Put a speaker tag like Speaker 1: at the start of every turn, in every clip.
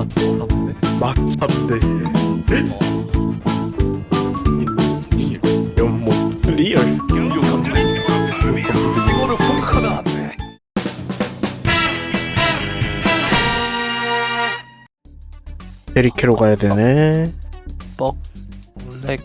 Speaker 1: 맞잡네. 연못 리얼.
Speaker 2: 이거를 공격하면 안 돼.
Speaker 1: 베리케로 가야 되네.
Speaker 2: 렉.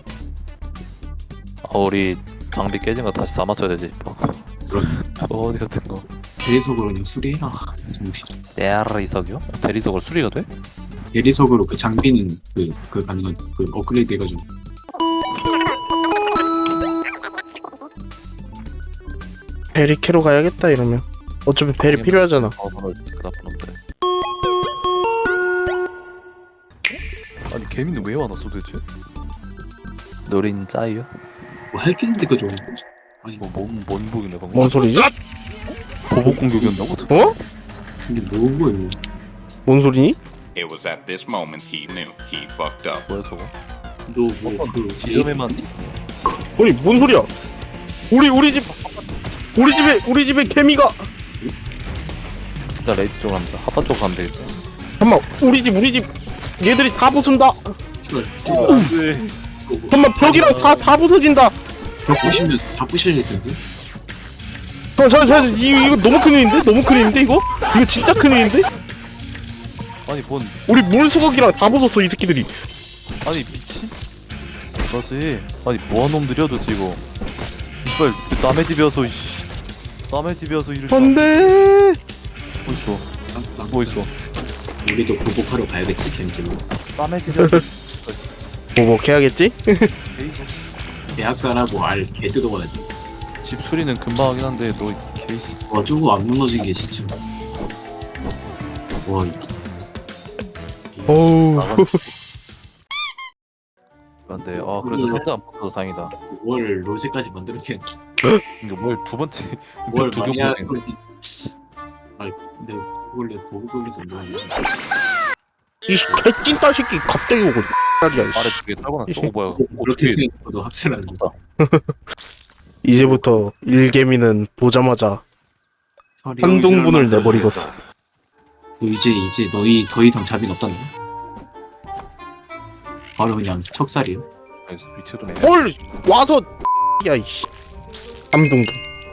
Speaker 2: 우리 장비 깨진 거 다시 다 맞춰야 되지. 어디 같은 거.
Speaker 3: 대리석으로 그냥 수리해라. 정신.
Speaker 2: 대리석이요? 대리석으로 수리가 돼?
Speaker 3: 대리석으로 그 장비는 그 가능한 그 업그레이드 해가지고.
Speaker 1: 베리케로 가야겠다 이러면. 어차피 베리 필요하잖아.
Speaker 2: 그 나쁜 놈들. 아니 개미는 왜 왔어 도대체? 노린 짜이요?
Speaker 3: 뭐할 게 있는데 그죠? 아니
Speaker 2: 뭔 북이네 방금.
Speaker 1: 뭔 소리지?
Speaker 2: 보복 공격이었나고?
Speaker 1: 어?
Speaker 3: 근데 뭐고
Speaker 1: 뭔 소리니?
Speaker 4: It was at this moment he knew he fucked up.
Speaker 2: 뭐야 저거?
Speaker 3: 너뭐그
Speaker 2: 지점에만
Speaker 1: 아니 뭔 소리야? 우리 집에 개미가.
Speaker 2: 일단 레이트 쪽 갑니다. 하파 쪽 가면 되겠다.
Speaker 1: 잠깐만 우리 집 얘들이 다 부순다.
Speaker 2: 안돼.
Speaker 1: 잠깐만 벽이랑 다 부서진다.
Speaker 3: 다 부셔질 텐데.
Speaker 1: 자 이거 너무 큰일인데 이거 진짜 큰일인데?
Speaker 2: 아니 뭔
Speaker 1: 우리 물수거기랑 다 부쉈어 이 새끼들이.
Speaker 2: 아니 미친? 그렇지. 아니 뭐한 놈들이야 도대체 이거. 이발 남의 집이어서 이씨. 남의 집이어서 이럴.
Speaker 1: 안돼.
Speaker 2: 뭐 있어? 뭐 있어?
Speaker 3: 우리도 보복하러 가야겠지 겐지로.
Speaker 2: 남의 집이어서.
Speaker 1: 보복해야겠지?
Speaker 3: 대학살하고 개 뜯어가야지.
Speaker 2: 집 수리는 금방 하긴 한데 너 케이스.
Speaker 3: 와 저거 안 무너진 게 진짜. 와
Speaker 1: 어우.
Speaker 2: 안돼. 그래도 상자 안 뽑혀서 다행이다.
Speaker 3: 월 로제까지 만들었겠.
Speaker 2: 이거 뭘 두 번째
Speaker 3: 월
Speaker 2: 두
Speaker 3: 많이
Speaker 2: 경.
Speaker 3: 아니 근데 원래 보고 걸려서 뭐 하는 거지?
Speaker 1: 이 개찐따 새끼 갑자기 오고 X야.
Speaker 2: 아래쪽에 떨궈놨어. 뭐야?
Speaker 3: 그렇게 생각해도 확실한 거.
Speaker 1: 이제부터 일개미는 보자마자 한동분을 내버리겠어.
Speaker 3: 너 이제 너희 더 이상 자비는 없다는 거? 바로 그냥 척살이요.
Speaker 2: 위치도 내.
Speaker 1: 뭘 와서 야이씨. 한동분.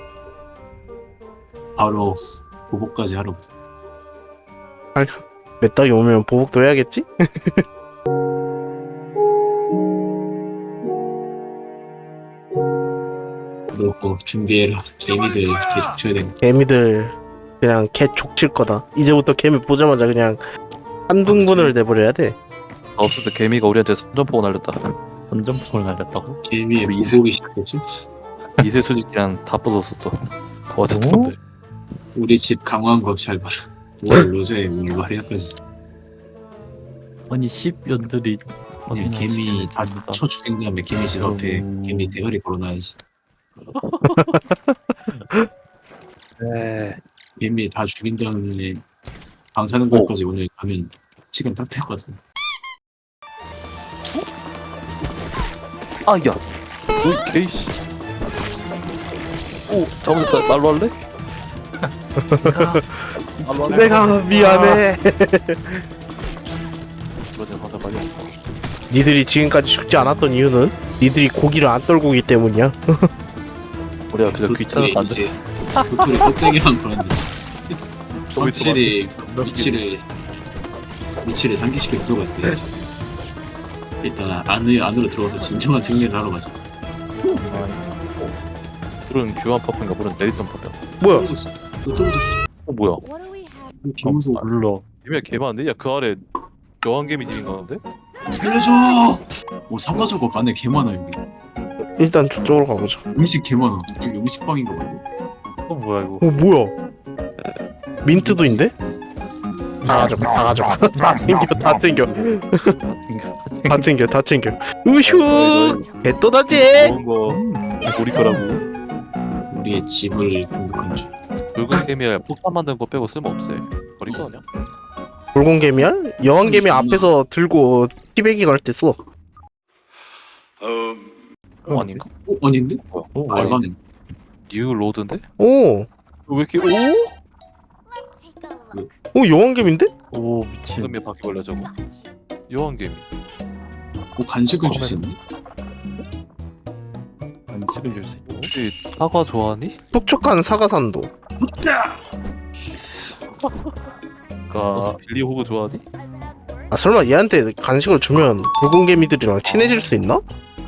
Speaker 3: 바로 보복까지 하러.
Speaker 1: 몇 달이 오면 보복도 해야겠지?
Speaker 3: 너 준비해라. 개미들 개 줘야 돼.
Speaker 1: 개미들 그냥 개 족칠 거다. 이제부터 개미 보자마자 그냥 한둥분을 내버려야 돼.
Speaker 2: 없을 때 개미가 우리한테 선전포고 날렸다. 선전포를 날렸다고?
Speaker 3: 개미의
Speaker 2: 우리
Speaker 3: 보복이 시작됐지?
Speaker 2: 이세 수직이랑 다 부쉈었어. 거짓 놈들.
Speaker 3: 우리 집 강화한 거 잘 봐라. 월 로제 월 마리아까지.
Speaker 5: 아니 10년들이
Speaker 3: 그냥 개미 다 쳐 죽인 다음에 개미 집 앞에 개미 대가리 걸어놔야지.
Speaker 2: 네.
Speaker 3: 개미 다 죽인 다음에 방 사는 것까지 오늘 가면 시간 딱 될 것 같아.
Speaker 2: 야. 오 개이씨. 오 잘못했다. 말로 할래? 말로 할래?
Speaker 1: 내가 미안해.
Speaker 2: 그러지 화살 빨리 없어.
Speaker 1: 니들이 지금까지 죽지 않았던 이유는 니들이 고기를 안 떨고 오기 때문이야.
Speaker 2: 우리가 그저 귀찮아서 안 돼.
Speaker 3: 도토리 껍데기랑 그런데
Speaker 2: 저기
Speaker 3: 확실히 위치를 상기시킬 필요가 있대. 일단 안으로 들어가서 진정한 승리를 하러 가자.
Speaker 2: 물은 규환 퍼프인가 물은 내리선 퍼프.
Speaker 1: 뭐야?
Speaker 3: 떨어졌어. 너 떨어졌어.
Speaker 2: 뭐야?
Speaker 3: 김우소
Speaker 5: 몰라.
Speaker 2: 개미가 개 많은데? 야 그 아래 여왕개미 집인가 본데?
Speaker 3: 살려줘. 뭐 사가지고 안에 개 많아 여기.
Speaker 1: 일단 저쪽으로 가보자.
Speaker 3: 음식 개 많아. 여기 음식방인가 봐.
Speaker 2: 뭐야 이거?
Speaker 1: 뭐야? 민트도 있는데? 다 가져가. 다 챙겨. 우슈! 개또다지!
Speaker 2: 좋은 거 우리 거라고.
Speaker 3: 우리의 집을 공격한 줄.
Speaker 2: 붉은 개미야 폭탄 만드는 거 빼고 쓸모없어. 버릴 거 아니야?
Speaker 1: 붉은개미알? 여왕개미 앞에서 들고 티베기 갈 때 써.
Speaker 2: 아닌가?
Speaker 3: 아닌데?
Speaker 2: 뭐야?
Speaker 3: 알바는.
Speaker 2: 뉴 로드인데?
Speaker 1: 오!
Speaker 2: 왜 이렇게 오?
Speaker 1: 여왕개미인데?
Speaker 5: 오 미친.
Speaker 2: 황금이 바퀴벌레 저거. 여왕개미.
Speaker 3: 간식을 주시네.
Speaker 5: 안식을 줄 수 있고.
Speaker 2: 혹시 사과 좋아하니?
Speaker 1: 촉촉한 사과산도.
Speaker 2: 너 빌리 호그 좋아하니?
Speaker 1: 아 설마 얘한테 간식을 주면 붉은 개미들이랑 친해질 수 있나?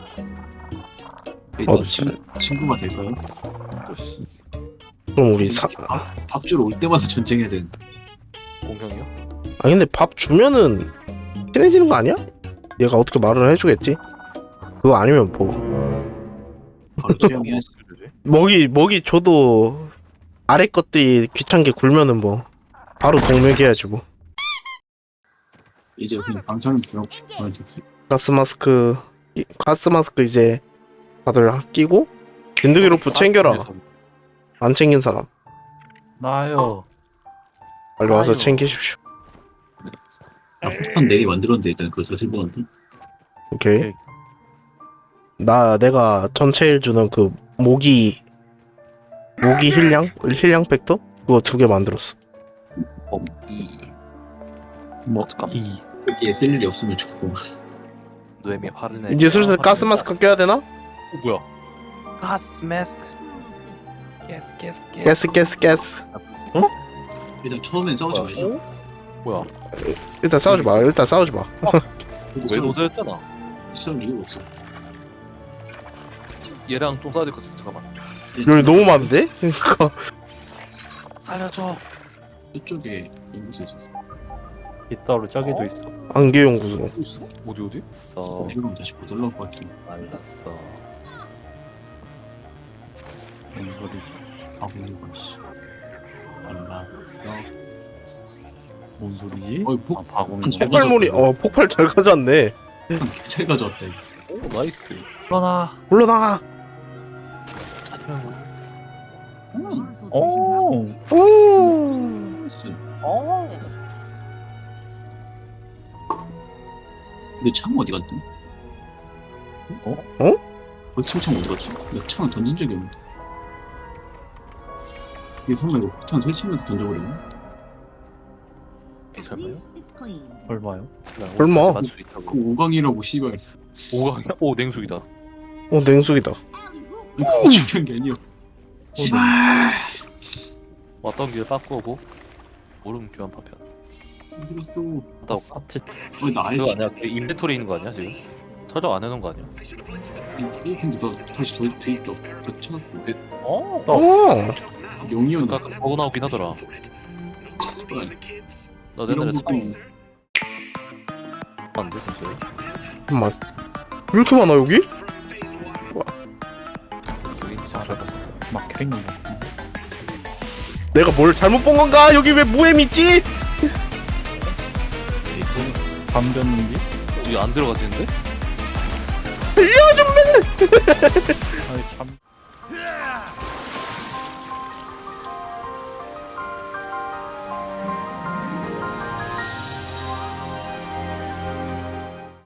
Speaker 3: 일단 친구가 될까요?
Speaker 2: 저씨
Speaker 1: 그럼 우리
Speaker 3: 밥 주러 올 때마다 전쟁해야 되는데.
Speaker 2: 공형이야?
Speaker 1: 아 근데 밥 주면은 친해지는 거 아니야? 얘가 어떻게 말을 해주겠지? 그거 아니면 뭐
Speaker 3: 바로 취향해야지.
Speaker 1: 먹이 줘도 아래 것들이 귀찮게 굴면은 뭐 바로 동맥해야지 뭐.
Speaker 3: 이제 그냥 방사능 들어.
Speaker 1: 가스 마스크 이제 다들 끼고 진드기 로프 챙겨라. 안 챙긴 사람
Speaker 5: 나요.
Speaker 1: 빨리 와서
Speaker 2: 아유.
Speaker 1: 챙기십시오.
Speaker 3: 폭탄 4개 만들었는데 일단 그거 다 들고간다.
Speaker 1: 오케이.
Speaker 5: 오케이.
Speaker 1: 내가 전체 일 주는 그 모기 힐량 팩터 그거 2개 만들었어.
Speaker 5: 뭐
Speaker 2: 잠깐만.
Speaker 5: 이.
Speaker 3: 여기에 쓸 일이 없으면 좋고.
Speaker 2: 노엠이 화를 내.
Speaker 1: 이제 슬슬 가스 마스크 껴야 되나?
Speaker 2: 뭐야? 가스 마스크.
Speaker 1: 가스.
Speaker 3: 일단 처음엔 싸우지 말자.
Speaker 2: 뭐야?
Speaker 1: 일단 싸우지 마.
Speaker 2: 왜 노자였잖아.
Speaker 3: 싸울 이유가 없어.
Speaker 2: 얘랑 좀 싸워야 될 것 같아. 잠깐만.
Speaker 1: 여기 너무 많은데? 그러니까
Speaker 2: 살려줘.
Speaker 3: 저쪽에 인구수 있었어.
Speaker 5: 빗자루 저기도 있어.
Speaker 1: 안개연구소.
Speaker 2: 또 있어? 어디? 써.
Speaker 3: 내려가면 다시 못 올라올 것 같은데.
Speaker 2: 말랐어.
Speaker 5: 뭔 소리지?
Speaker 3: 바보이고 씨. 알았어.
Speaker 5: 뭔 소리지?
Speaker 3: 어이
Speaker 5: 아 바구니.
Speaker 3: 잘
Speaker 1: 폭발물이 폭발 잘 가져왔네.
Speaker 3: 잘 가져왔다 이거.
Speaker 2: 오 나이스.
Speaker 5: 일어나.
Speaker 1: 물러나가.
Speaker 5: 오.
Speaker 3: 나이스.
Speaker 5: 오.
Speaker 3: 근데 창 어디 갔지? 창 어디 갔지? 나 창은 던진 적이 없는데. 이게 설마 이거 폭탄 설치하면서 던져버리나?
Speaker 2: 설마요?
Speaker 5: 얼마요?
Speaker 1: 얼마?
Speaker 2: 맞을 수 있다고.
Speaker 3: 그 5강이라고 씨발.
Speaker 2: 5강이야? 오 냉수기다.
Speaker 1: 냉수기다.
Speaker 3: 그거 중요한 게 아니야. 씨발.
Speaker 2: 왔던 길 바꾸고 모름 귀한 파편.
Speaker 3: 힘들었어.
Speaker 2: 나
Speaker 5: 사치.
Speaker 3: 나 알지?
Speaker 2: 그거 아니야? 그 인벤토리 있는 거 아니야 지금? 찾아 안 해놓은 거 아니야?
Speaker 3: 근데 나 다시 더 있다. 더 찾았고.
Speaker 2: 어?
Speaker 1: 오.
Speaker 3: 용이었나?
Speaker 2: 아까 버그 나오긴 하더라.
Speaker 3: 씨발.
Speaker 2: 나
Speaker 3: 이런
Speaker 2: 옛날에
Speaker 3: 것도
Speaker 2: 안돼 진짜.
Speaker 1: 잠깐만. 왜 이렇게 많아 여기?
Speaker 2: 여기 진짜 잘해봤어.
Speaker 5: 막 캐릭터.
Speaker 1: 내가 뭘 잘못 본 건가? 여기 왜 무엠 있지?
Speaker 5: 감겼는지?
Speaker 2: 여기 안 들어가지는데?
Speaker 1: 알려준매.
Speaker 5: 아니 참.